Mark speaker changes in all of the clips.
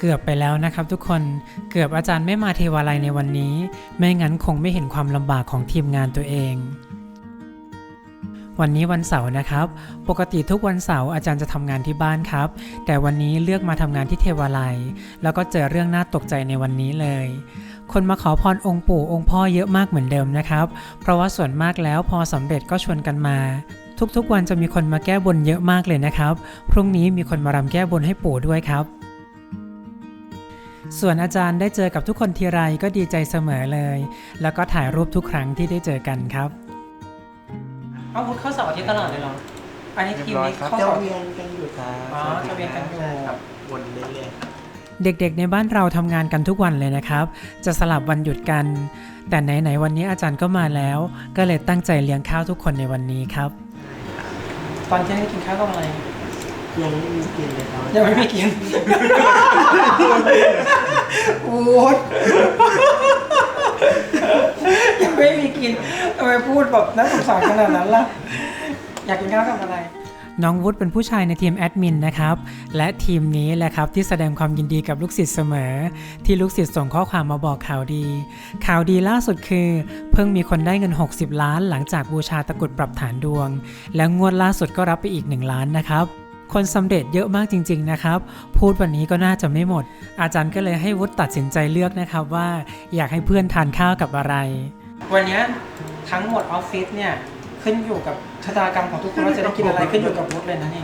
Speaker 1: เกือบไปแล้วนะครับทุกคนเกือบอาจารย์ไม่มาเทวาลัยในวันนี้ไม่งั้นคงไม่เห็นความลำบากของทีมงานตัวเองวันนี้วันเสาร์นะครับปกติทุกวันเสาร์อาจารย์จะทำงานที่บ้านครับแต่วันนี้เลือกมาทำงานที่เทวาลัยแล้วก็เจอเรื่องน่าตกใจในวันนี้เลยคนมาขอพรองค์ปู่องค์พ่อเยอะมากเหมือนเดิมนะครับเพราะว่าส่วนมากแล้วพอสำเร็จก็ชวนกันมาทุกๆวันจะมีคนมาแก้บนเยอะมากเลยนะครับพรุ่งนี้มีคนมารำแก้บนให้ปู่ด้วยครับส่วนอาจารย์ได้เจอกับทุกคนทีไรก็ดีใจเสมอเลยแล้วก็ถ่ายรูปทุกครั้งที่ได้เจอกันครับเอาพุทธเข้าเสาร์อาทิตย์ตลอดเลยเหรออันนี้ทีมนี้เข้าเสาร์
Speaker 2: เวียนกันอยู่ครับ
Speaker 1: อ๋อจะเวียนกันอยู่
Speaker 2: ครับวนเรื่อยๆครับ
Speaker 1: เด็กๆในบ้านเราทำงานกันทุกวันเลยนะครับจะสลับวันหยุดกันแต่ไหนๆวันนี้อาจารย์ก็มาแล้วก็เลยตั้งใจเลี้ยงข้าวทุกคนในวันนี้ครับตอนเที่ยงกินข้าวกับอะไร
Speaker 2: ยังไม่มีกินเลยครับ
Speaker 1: ยังไม่มีกินโอ๊ยยังไม่มีกินทำไมพูดแบบน่าสงสารขนาดนั้นล่ะอยากกินข้าวกับอะไรน้องวุฒิเป็นผู้ชายในทีมแอดมินนะครับและทีมนี้แหละครับที่แสดงความยินดีกับลูกศิษย์เสมอที่ลูกศิษย์ส่งข้อความมาบอกข่าวดีล่าสุดคือเพิ่งมีคนได้เงิน60 ล้านหลังจากบูชาตะกรุดปรับฐานดวงแล้วงวดล่าสุดก็รับไปอีก1 ล้านนะครับคนสำเร็จเยอะมากจริงๆนะครับพูดวันนี้ก็น่าจะไม่หมดอาจารย์ก็เลยให้วุฒิตัดสินใจเลือกนะครับว่าอยากให้เพื่อนทานข้าวกับอะไรวันนี้ทั้งหมดออฟฟิศเนี่ยขึ้นอยู่กับชะตากรรมของทุกคนว่าจะได้กินอะไรขึ้นอยู่กับวุฒิเลยนะนี่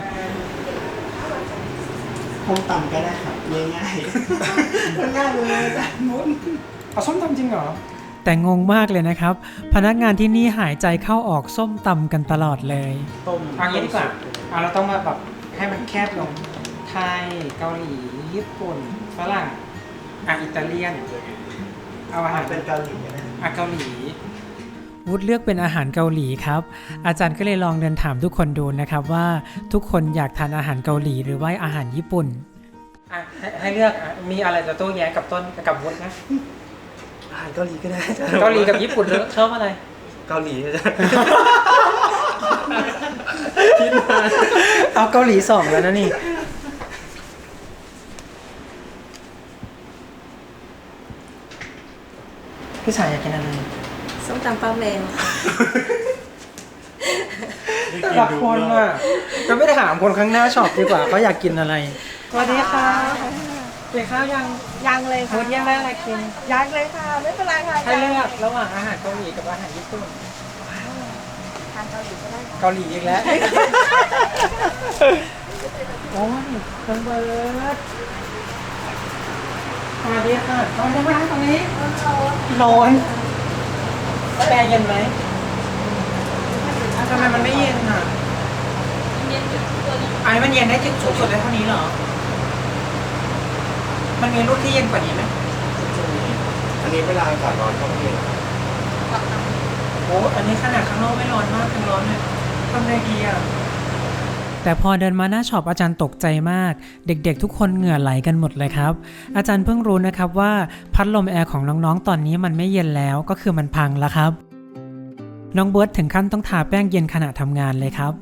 Speaker 2: ส้มตำก็ได้ครับง่ายๆง่ายเลยอาจารย์มุ้น
Speaker 1: เอาส้มตำจริงเหรอแต่งงมากเลยนะครับพนักงานที่นี่หายใจเข้าออกส้มตำกันตลอดเลย
Speaker 2: ต้ม
Speaker 1: เอางี้ดีกว่าเราต้องมาแบบให้มันแคบลงไทยเกาหลีญี่ปุ่นฝรั่งอิตาเลียนเอาอาหาร
Speaker 2: เป็นเกาหลีนะ
Speaker 1: เกาหลีวุฒิเลือกเป็นอาหารเกาหลีครับอาจารย์ก็เลยลองเดินถามทุกคนดูนะครับว่าทุกคนอยากทานอาหารเกาหลีหรือว่าอาหารญี่ปุ่นให้เลือกมีอะไรจะโต้แย้งกับต้นกับวุฒินะ
Speaker 2: อาหารเกาหลีก็ได้
Speaker 1: เกาหลีกับญี่ปุ่นชอบอะไร
Speaker 2: เกาหลีจะ
Speaker 1: เอาเกาหลี2แล้วนะนี่พี่สายอยากกินอะไร
Speaker 3: ส้มตำป้าแมว
Speaker 1: แต่ละคนอ่ะก็ไม่ได้ถามคนข้างหน้าช็อปดีกว่าเขาอยากกินอะไรสวัสดีค่ะกินข้าวยัง
Speaker 3: เลยค่ะ
Speaker 1: พุธยังได้อะไรกิน
Speaker 3: ยังเลยค่ะไม่เป็นไรค่ะ
Speaker 1: ให้เลือกระหว่างอาหารเกาหลีกับอาหารญี่ปุ่น
Speaker 3: ทานเกาหลีก็ได้
Speaker 1: เกาหลีอีกแล้วโอ้ยน้องเบิร์ดสวัสดีค่ะน้องนั่งตรงนี้ร้อนแอร์เย็นไหมทำไมมันไม่เย็นอ่ะไอ้มันเย็นได้สูงสุดได้เท่านี้เหรอมันมีรุ่นที่เย็นกว่านี้ไหม
Speaker 2: อันนี้เวลาอากาศร้อนก็ไม่เย็น
Speaker 1: โอ้อันนี้ขนาดข้างนอกไม่ร้อนมากยังร้อนเลยทำไงดีอ่ะแต่พอเดินมาหน้าช็อปอาจารย์ตกใจมากเด็กๆทุกคนเหงื่อไหลกันหมดเลยครับอาจารย์เพิ่งรู้นะครับว่าพัดลมแอร์ของน้องๆตอนนี้มันไม่เย็นแล้วก็คือมันพังแล้วครับน้องเบิร์ดถึงขั้นต้องทาแป้งเย็นขณะทำงานเลยครับ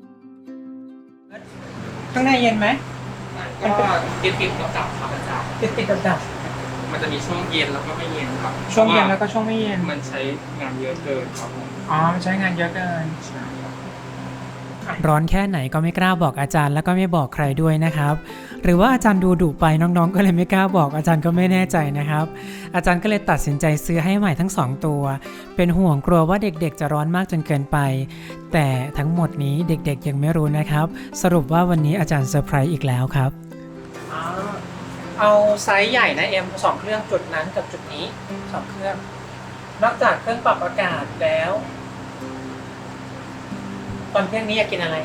Speaker 1: ข้างในเย็นไหม
Speaker 4: ก็ติดดับครับอาจารย์
Speaker 1: ติดดับ
Speaker 4: มันจะมีช่วงเย็นแล้วก็ไม่เย็นครับ
Speaker 1: ช่วงเย็นแล้วก็ช่วงไม่เย็น
Speaker 4: มันใช้งานเยอะเกินครับผม
Speaker 1: มันใช้งานเยอะเกินร้อนแค่ไหนก็ไม่กล้าบอกอาจารย์แล้วก็ไม่บอกใครด้วยนะครับหรือว่าอาจารย์ดูดุไปน้องๆก็เลยไม่กล้าบอกอาจารย์ก็ไม่แน่ใจนะครับอาจารย์ก็เลยตัดสินใจซื้อให้ใหม่ทั้ง2ตัวเป็นห่วงกลัวว่าเด็กๆจะร้อนมากจนเกินไปแต่ทั้งหมดนี้เด็กๆยังไม่รู้นะครับสรุปว่าวันนี้อาจารย์เซอร์ไพรส์อีกแล้วครับเอาไซส์ใหญ่นะ2เครื่องจุดนั้นกับจุดนี้2เครื่องนอกจากเครื่องปรับอากาศแล้วตอนเที่ยงนี้อยากกินอะไร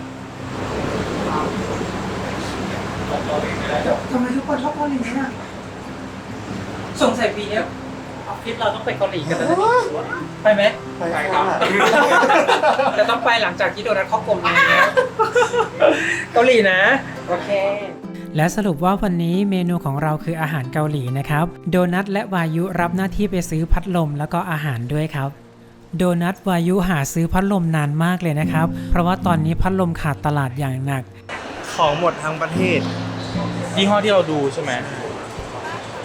Speaker 1: ทำไมทุกคนชอบเกาหลีอ่ะสงสัยปีนี้ออฟฟิศเราต้องไปเกาหลีกันแล้วไปไหม
Speaker 2: ไปครับ
Speaker 1: แต่ต้องไปหลังจากที่โดนัทเข้ากลมแล้วเกาหลีนะโอเคและสรุปว่าวันนี้เมนูของเราคืออาหารเกาหลีนะครับโดนัทและวายุรับหน้าที่ไปซื้อพัดลมแล้วก็อาหารด้วยครับโดนัทวายุหาซื้อพัดลมนานมากเลยนะครับเพราะว่าตอนนี้พัดลมขาดตลาดอย่างหนัก
Speaker 5: ของหมดทั้งประเทศยี่ห้อที่เราดูใช่ไหม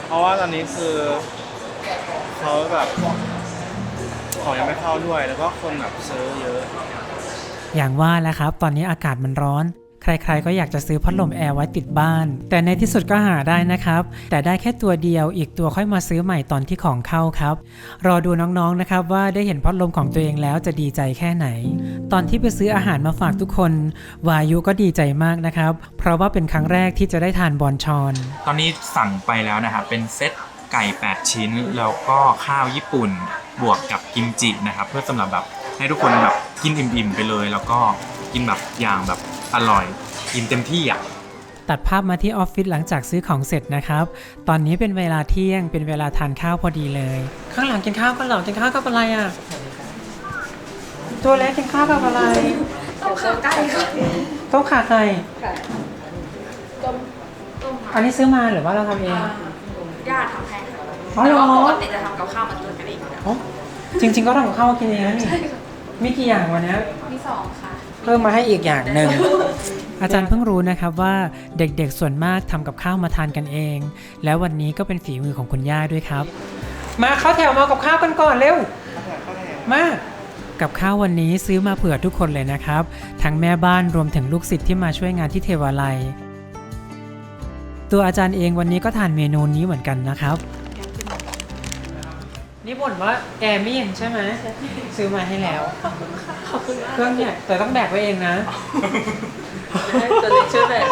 Speaker 2: เพราะว่าตอนนี้คือเขาแบบของยังไม่เข้าด้วยแล้วก็คนแบบซื้อเยอะ
Speaker 1: อย่างว่าแหละครับตอนนี้อากาศมันร้อน ใครๆก็อยากจะซื้อพัดลมแอร์ไว้ติดบ้าน แต่ในที่สุดก็หาได้นะครับแต่ได้แค่ตัวเดียวอีกตัวค่อยมาซื้อใหม่ตอนที่ของเข้าครับรอดูน้องๆนะครับว่าได้เห็นพัดลมของตัวเองแล้วจะดีใจแค่ไหนตอนที่ไปซื้ออาหารมาฝากทุกคนวายุก็ดีใจมากนะครับเพราะว่าเป็นครั้งแรกที่จะได้ทานบอนชอน
Speaker 5: ตอนนี้สั่งไปแล้วนะครับเป็นเซตไก่8ชิ้นแล้วก็ข้าวญี่ปุ่นบวกกับกิมจินะครับเพื่อสำหรับแบบให้ทุกคนแบบกินอิ่มๆไปเลยแล้วก็กินแบบอย่างแบบอร่อยกินเต็มที่อ่ะ
Speaker 1: ตัดภาพมาที่ออฟฟิศหลังจากซื้อของเสร็จนะครับตอนนี้เป็นเวลาเที่ยงเป็นเวลาทานข้าวพอดีเลยข้างหลังกินข้าวกันหรอกินข้าวกับอะไรอ่ะตัวเล็กกินข้าวกับอะไร
Speaker 3: ต้มขาไก่ค่ะ
Speaker 1: ต้มขาไก่
Speaker 3: ต้ม
Speaker 1: อันนี้ซื้อมาหรือว่าเราทำเอง
Speaker 3: ญาติทำให้ค่ะ
Speaker 1: อ๋อ
Speaker 3: แต่
Speaker 1: เหรอ
Speaker 3: ว่าปกติจะทำกับข้าวมาตุนกันเองอยู่แล้ว
Speaker 1: อ๋อจริงๆก็ทำกับข้าวกินเองนะนี่มีกี่อย่างวันนี้
Speaker 3: มี2ค่ะ
Speaker 1: เพิ่มมาให้อีกอย่างหนึ่ง อาจารย์เพิ่งรู้นะครับว่าเด็กๆส่วนมากทำกับข้าวมาทานกันเอง แล้ววันนี้ก็เป็นฝีมือของคุณย่าด้วยครับ มาเข้าแถวมากับข้าวกันก่อนเร็วมากับข้าววันนี้ซื้อมาเผื่อทุกคนเลยนะครับทั้งแม่บ้านรวมถึงลูกศิษย์ที่มาช่วยงานที่เทวาลัยตัวอาจารย์เองวันนี้ก็ทานเมนูนี้เหมือนกันนะครับนี่บ่นว่าแกไม่เย็นใช่ไหมซื้อมาให้แล้ว
Speaker 3: ขอบคุณมาก
Speaker 1: เครื่องเนี่ยแต่ต้องแบกไว้เองนะ
Speaker 3: ตัวเล็กช่วยแบบ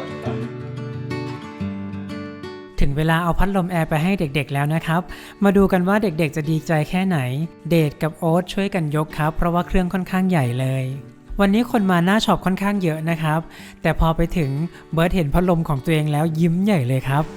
Speaker 1: ถึงเวลาเอาพัดลมแอร์ไปให้เด็กๆแล้วนะครับมาดูกันว่าเด็กๆจะดีใจแค่ไหนเดทกับโอ๊ตช่วยกันยกครับเพราะว่าเครื่องค่อนข้างใหญ่เลยวันนี้คนมาหน้าช็อปค่อนข้างเยอะนะครับแต่พอไปถึงเบิร์ดเห็นพัดลมของตัวเองแล้วยิ้มใหญ่เลยครับ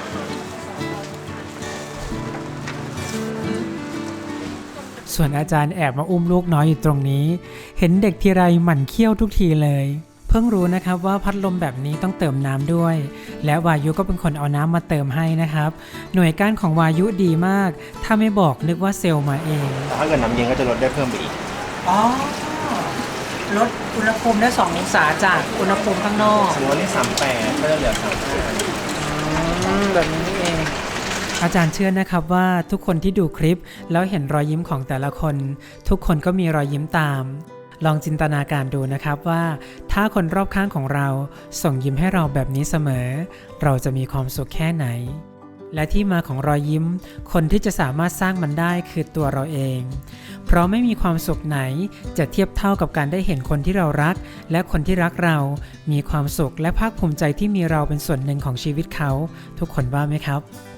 Speaker 1: ส่วนอาจารย์แอบมาอุ้มลูกน้อยอยู่ตรงนี้เห็นเด็กทีไรหมั่นเคี้ยวทุกทีเลยเพิ่งรู้นะครับว่าพัดลมแบบนี้ต้องเติมน้ำด้วยและวายุก็เป็นคนเอาน้ำมาเติมให้นะครับหน่วยก้านของวายุดีมากถ้าไม่บอกนึกว่าเซลล์มาเอง
Speaker 2: ถ้าเกิดน้ำเย็นก็จะลดได้เพิ่มไปอีก
Speaker 1: อ๋อลดอุณหภูมิได้2องศาจากอุณหภูมิข้างนอก
Speaker 2: สมมติว่านี่38ก็จะเหลือ35
Speaker 1: แบบนี้นี่เองอาจารย์เชื่อนะครับว่าทุกคนที่ดูคลิปแล้วเห็นรอยยิ้มของแต่ละคนทุกคนก็มีรอยยิ้มตามลองจินตนาการดูนะครับว่าถ้าคนรอบข้างของเราส่งยิ้มให้เราแบบนี้เสมอเราจะมีความสุขแค่ไหนและที่มาของรอยยิ้มคนที่จะสามารถสร้างมันได้คือตัวเราเองเพราะไม่มีความสุขไหนจะเทียบเท่ากับการได้เห็นคนที่เรารักและคนที่รักเรามีความสุขและภาคภูมิใจที่มีเราเป็นส่วนหนึ่งของชีวิตเขาทุกคนว่าไหมครับ